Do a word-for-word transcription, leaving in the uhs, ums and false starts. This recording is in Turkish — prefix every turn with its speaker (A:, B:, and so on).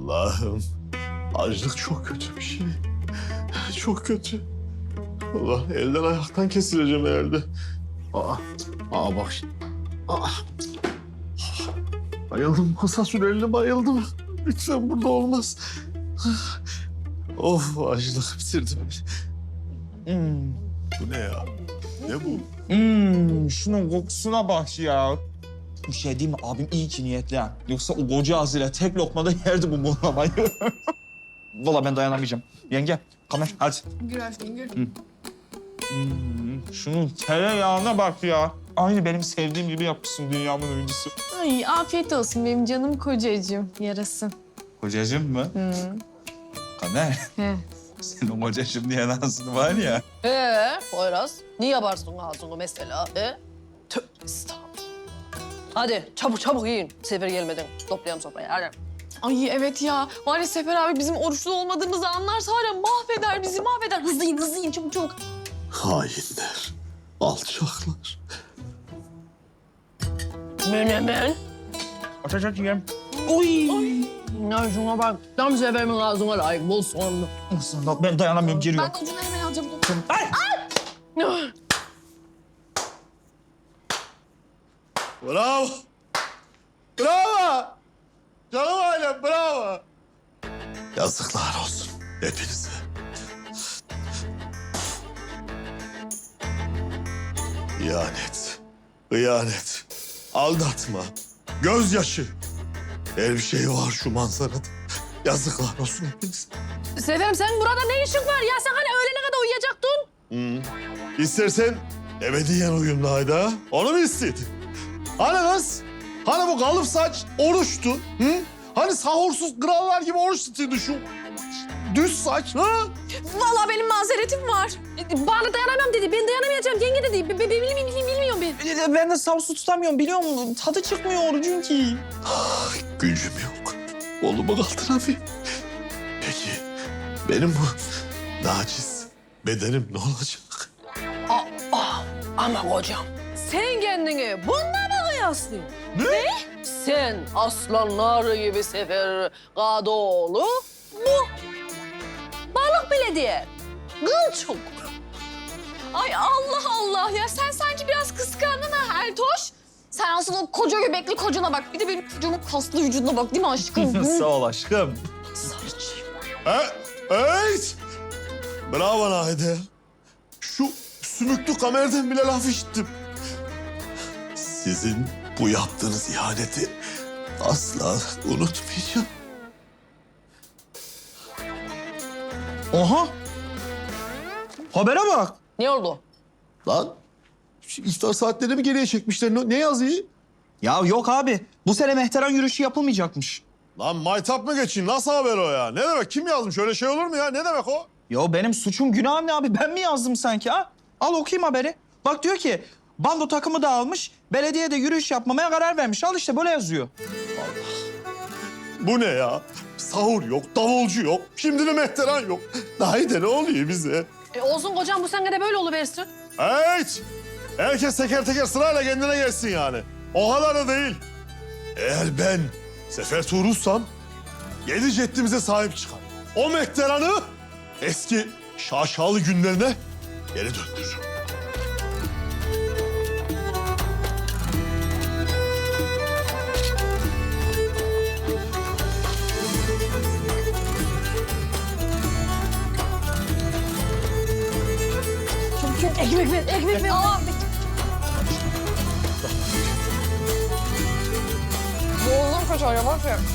A: Allah'ım. Açlık çok kötü bir şey. Çok kötü. Allah elden ayaktan kesileceğim herhalde. Aa, aa bak şimdi. Aa. Bayıldım. Masa süreli bayıldım. Lütfen burada olmaz. Of açlık bitirdi beni.
B: Hmm.
A: Bu ne ya? Ne bu?
B: Hmm, şunun kokusuna bak ya. Bir şey diyeyim mi? Abim iyi ki niyetli ha. Yoksa o koca ağzıyla tek lokmada yerdi bu muhlamayı. Vallahi ben dayanamayacağım. Yenge, kamer hadi.
C: Gül aşkım gül.
B: Hmm, şunun tereyağına bak ya. Aynı benim sevdiğim gibi yapmışsın dünyamın öncüsü.
C: Ay afiyet olsun benim canım kocacığım. Yarasın.
B: Kocacığım mı?
C: Hı.
B: Kamer,
C: He.
B: senin kocacığım diye ağzın var ya.
D: Ee, Poyraz, niye yaparsın ağzını mesela? Ee? Tövbe estağfurullah. Hadi çabuk çabuk yiyin. Sefer gelmeden toplayalım sofrayı. Hadi.
C: Ay evet ya. Var ya Sefer abi bizim oruçlu olmadığımızı anlarsa var ya mahveder bizi mahveder. Hızlı yiyin hızlı yiyin çabuk çabuk.
A: Hainler. Alçaklar.
D: Menemen.
B: Aç aç aç yiyeyim.
D: Uy. Ya şuna bak. Tam Sefer'imin ağzına layık. Bol soğanlı.
B: Aslında ben dayanamıyorum, giriyorum.
C: Ben de ucundan hemen alacağım. Dur.
B: Ay!
A: Bravo. Bravo. Canım ailem bravo. Yazıklar olsun hepinize. İhanet, hıyanet, aldatma, gözyaşı. Her bir şey var şu manzarada. Yazıklar olsun hepinize.
D: Seferim sen burada ne işin var ya? Sen hani öğlene kadar uyuyacaktın?
A: Hmm. İstersen ebediyen uyumlu Hayda. Onu mu istedin? Hani kız? Hani bu kalıp saç oruçtu? Hı? Hani sahursuz krallar gibi oruç tutuyordu şu düz saç? Ha?
C: Vallahi benim mazeretim var. E, Bana dayanamam dedi. Ben dayanamayacağım yenge dedi. Be, be, bilmiyorum, bilmiyorum, bilmiyorum ben.
B: Ben de savsu tutamıyorum, biliyor musun? Tadı çıkmıyor orucun ki.
A: Ah, gücüm yok. Kolumu kaldıramıyorum. Peki benim bu naciz bedenim ne olacak?
D: Aa, ama kocam. Sen kendini bununla mı kıyaslıyorsun?
B: Ne?
D: Sen aslanlar gibi Sefer Kadıoğlu, bu balık bile diye. Kılçuk.
C: Ay Allah Allah ya sen sanki biraz kıskandın ha Ertoş. Sen aslında o koca göbekli kocana bak. Bir de benim kocaman kaslı vücuduna bak değil mi aşkım?
B: Sağ ol aşkım.
D: Sarıcı.
A: E, evet. Bravo Nahide. Şu sümüklü kamerden bile laf işittim. Sizin bu yaptığınız ihaneti asla unutmayacağım.
B: Oha! Habere bak.
D: Ne oldu?
A: Lan şu iftar saatlerini mi geriye çekmişler? Ne, ne yazıyı?
B: Ya yok abi. Bu sene Mehteran yürüyüşü yapılmayacakmış.
A: Lan maytap mı geçeyim? Nasıl haber o ya? Ne demek? Kim yazmış? Öyle şey olur mu ya? Ne demek o?
B: Ya benim suçum günahım ne abi? Ben mi yazdım sanki ha? Al okuyayım haberi. Bak diyor ki bando takımı dağılmış, belediye de yürüyüş yapmamaya karar vermiş. Al işte böyle yazıyor.
A: Bu ne ya? Sahur yok, davulcu yok, şimdi de mehteran yok. Nahide ne oluyor bize?
D: E olsun kocam bu sene de böyle oluversin.
A: Evet! Herkes teker teker sırayla kendine gelsin yani. O kadar da değil. Eğer ben Sefer Tuğrul'sam yedi ceddimize sahip çıkar. O mehteranı eski şaşalı günlerine geri döndürürüm.
D: Çok çok ekmek ver, ekmek ver. Aa,
C: Boğuldum kaçar yavaş ya.